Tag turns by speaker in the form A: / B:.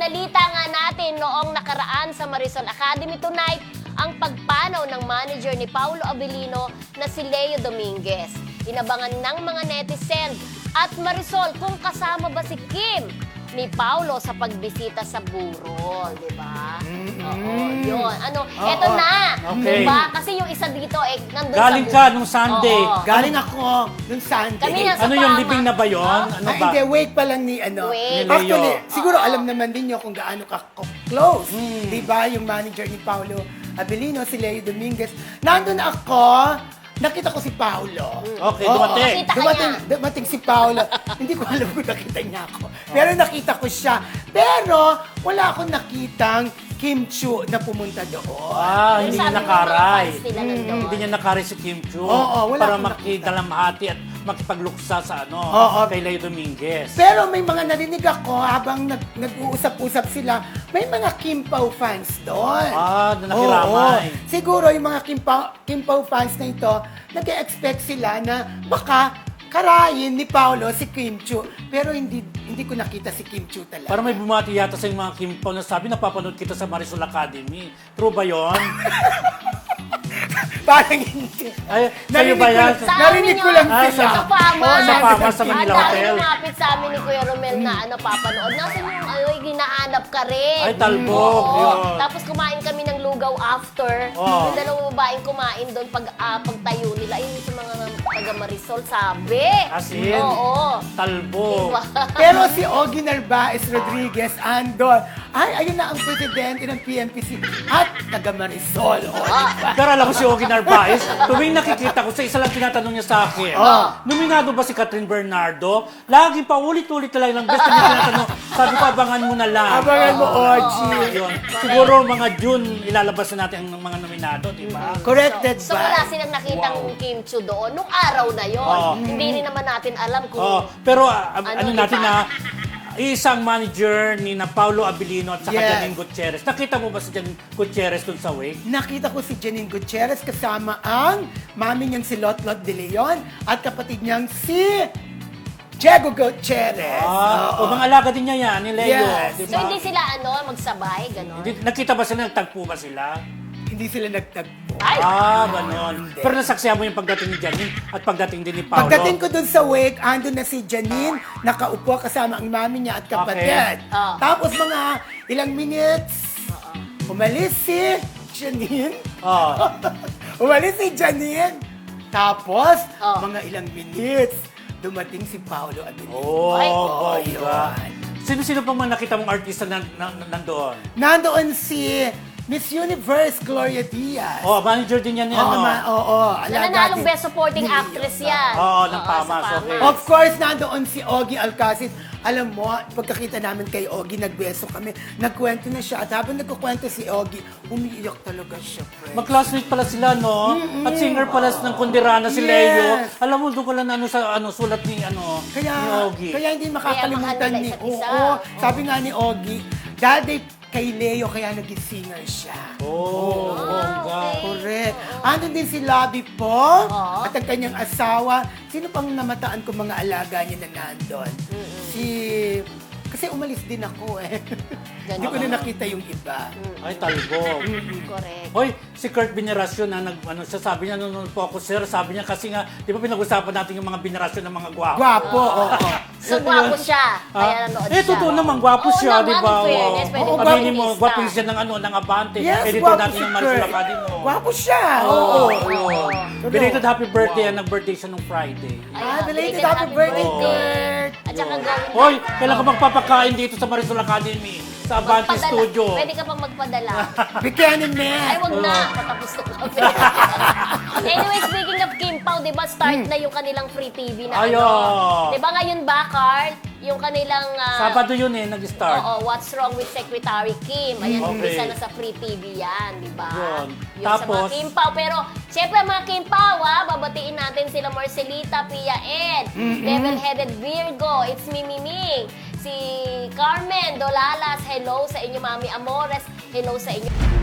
A: Binalita nga natin noong nakaraan sa Marisol Academy tonight ang pagpanaw ng manager ni Paulo Abilino na si Leo Dominguez. Inabangan ng mga netizen at Marisol kung kasama ba si Kim ni Paulo sa pagbisita sa burol, di ba? Oo, yun. Eto na,
B: Okay.
A: di ba? Kasi yung isa dito, nandun
B: Galing
A: sa
B: ka nung Sunday.
A: Oo.
C: Galing ako nung Sunday.
A: Kami nasa
B: Ano yung
A: Pama.
B: libing na ba yun? Ano
C: Ay,
B: ba?
C: hindi, wait pa lang ni
A: Wait.
B: Ni Leo.
C: Actually, siguro alam naman din niyo kung gaano ka close. Di ba? Yung manager ni Paulo Abilino, si Leo Dominguez. Nandun ako, nakita ko si Paulo.
B: Okay,
C: Oo,
B: dumating.
A: Nakita ka
C: Dumating si Paulo. Hindi ko alam kung nakita niya ako. Pero nakita ko siya. Pero wala akong nakitang Kim Chu na pumunta doon.
B: Hindi
A: Sabi
B: niya
A: ng
B: nakaray.
A: mga fans nila nandun.
B: Hindi niya nakaray si Kim Chu.
C: Oo, wala
B: para
C: akong
B: makidalamhati at makipagluksa sa
C: Oo.
B: kay Leo Dominguez.
C: Pero may mga narinig ako habang nag-uusap-usap sila, may mga Kim Pao fans doon.
B: Na nakiramay.
C: Oo. Siguro yung mga Kim Pao fans na ito, nag-expect sila na baka karayin ni Paulo si Kim Chu. Pero hindi ko nakita si Kim Chu talaga.
B: Para may bumati yata sa mga Kim Pao na sabi, napapanood kita sa Marisol Academy. True ba yun?
C: Parang hindi.
B: Ay, sa'yo ba yan?
C: Narinig ko lang
B: Ah,
C: sila.
A: Sa Pama.
C: Oo,
B: Sa Pama, sa Manila
A: Ang
B: Hotel.
A: dahil lumapit sa amin ni Kuya Romel na papanood. Nasaan yung hinahanap ka rin?
B: Ay, talbog.
A: Oo.
B: Yun.
A: Tapos kumain kami ng lugaw after.
B: Oo.
A: Yung dalawang babaeng kumain doon pagtayo nila. Ayun sa mga taga Marisol, sabi.
B: As in?
A: Oo.
B: Talbog.
A: Diba?
C: Pero si Ogie Narvaez Rodriguez andon. Ay, ayun na ang presidente ng PMPC at taga Marisol. O, diba?
B: Pero alam mo si Ogie Narvaez, tuwing nakikita ko sa isa lang tinatanong niya sa akin, nominado ba si Catherine Bernardo? Lagi pa ulit-ulit na lang best na tinatanong. Sabi ko, abangan mo na lang.
C: Abangan mo, Ogie.
B: Yun. Siguro mga June, ilalabas na natin ang mga nominado, di ba?
C: Corrected
A: So wala
C: ba?
A: silang nakitang Kim Chu doon nung araw na yon.
B: Oo.
A: Hindi rin naman natin alam kung
B: Pero
A: Ano,
B: natin
A: di ba?
B: na, isang manager ni na Paulo Abilino at saka
C: Yes.
B: Janine Gutierrez. Nakita mo ba si Janine Gutierrez dun sa wake?
C: Nakita ko si Janine Gutierrez kasama ang mami niyang si Lotlot de Leon at kapatid niyang si Diego Gutierrez.
B: O mga alaga din niya yan, ni Leo.
C: Yes.
B: Di
A: So
B: ba?
A: hindi sila magsabay, gano'n?
B: Nakita ba sila, nagtagpo ba sila?
C: Hindi sila nagtagpo.
A: Ay!
B: Ganon.
C: Hindi.
B: Pero nasaksihan mo yung pagdating ni Janine at pagdating din ni Paulo.
C: Pagdating ko dun sa wake, andun na si Janine, nakaupo kasama ang mami niya at kapatid.
A: Okay.
C: Tapos mga ilang minutes, umalis si Janine. Umalis si Janine. Tapos, mga ilang minutes, dumating si Paulo Abilino.
A: Ay,
B: bongga.
C: yun.
B: Sino-sino pang mga nakita mong artista nandoon?
C: Nandoon si Miss Universe Gloria Diaz.
B: Manager din yan ni
C: Oo, alaga
A: Nananalong
C: din.
A: Best Supporting
C: Ni Leo.
A: Actress yan.
B: ng
A: Oo,
B: Pamas,
A: sa
B: okay.
C: Of course, nandoon si Ogie Alcacid. Alam mo, pagkakita namin kay Ogie, nagbeso kami. Nagkwento na siya. At habang nagkukwento si Ogie, umiiyak talaga siya, friend.
B: Mag-classmate pala sila, no? At singer pala ng Kundirana si
C: Yes.
B: Leo. Alam mo, doon ko lang sulat ni, ni Ogie.
C: Kaya hindi makakalimutan
A: Kaya mahal
C: ni...
A: nila isa't isa.
C: Oo, sabi nga ni Ogie, dati kay Leo, kaya naging singer siya.
B: Bongga.
C: Correct. Andun din si Labi po at ang kanyang asawa. Sino pang namataan ko mga alaga niya na nandun? Kasi umalis din ako eh. Hindi ko na nakita yung iba.
B: Ay, talbog.
A: Correct.
B: Hoy, si Kurt Veneracion na siya sabi niya nung focus sir, sabi niya kasi nga, di ba pinag-usapan natin yung mga venerasyon ng mga gwapo?
C: Gwapo, oo.
A: So, gwapo siya. Kaya nanood siya.
B: Totoo naman, gwapo
A: Oo
B: siya,
A: naman,
B: di ba?
A: in fairness, pwede
C: Oo,
A: maging
B: Aminin mo,
A: artista.
B: gwapo siya ng Abante.
C: Yes,
B: Editor
C: gwapo
B: natin
C: si
B: ng Marisol
C: Kurt.
B: Academy.
C: Gwapo siya.
B: Oo.
C: True.
B: Belated happy birthday yan, nag-birthday siya nung Friday.
C: Belated happy birthday, Kurt.
A: At saka gawin
B: Hoy, kailan ka magpapakain dito sa Marisol Academy? Sa Abante
A: magpadala.
B: Studio.
A: Pwede ka pang magpadala.
C: Bigyanin mo.
A: Ay, wag na. Patapos na kami. Anyway, speaking of Kim Pao, di ba start na yung kanilang free TV na
B: Ayo.
A: Di ba ngayon ba, Cart? Yung kanilang...
B: Sabado yun nag-start.
A: Oo, What's Wrong with Secretary Kim. Ayan,
B: Okay.
A: umpisa na sa free TV yan, di ba?
B: Yun.
A: Yung sa mga
B: Tapos-
A: Kim Pao. Pero, syempre mga Kim Pao, babatiin natin sila Marcelita, Pia Ed, Level-Headed Virgo, It's Me, si Carmen Dolalas, hello sa inyo, Mami Amores, hello sa inyo.